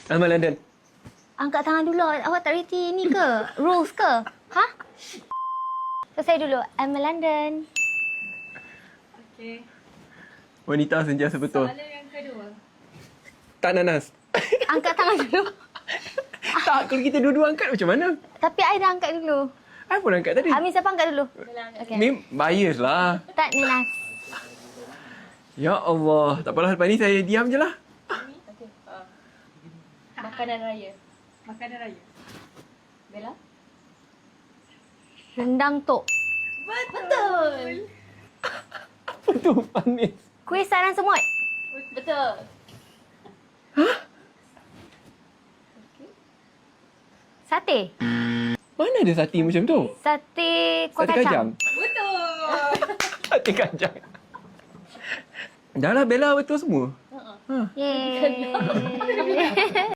Alma London. Angkat tangan dulu. Awak tak reti ni ke? Rules ke? Ha? Selesai dulu. I'm a London. Okey. Wanita sentiasa betul. Soalan yang kedua. Tak nanas. Angkat tangan dulu. Tak, kalau kita dua-dua angkat macam mana? Tapi I dah angkat dulu. I pun angkat tadi. Amin siapa angkat dulu? Okay. Okay. Ni bias lah. Tak nanas. Ya Allah. Tak apalah, lepas ni saya diam je lah. Okey. Makanan raya. Makanan raya. Bella? Rendang tok. Betul. Apa tu panis? Kuih sarang semut. Betul. Sate. Mana ada sati macam tu? Sate kuah Sate kacang. kacang. Betul. Sate kacang. Dah lah Bella betul semua. Yeay.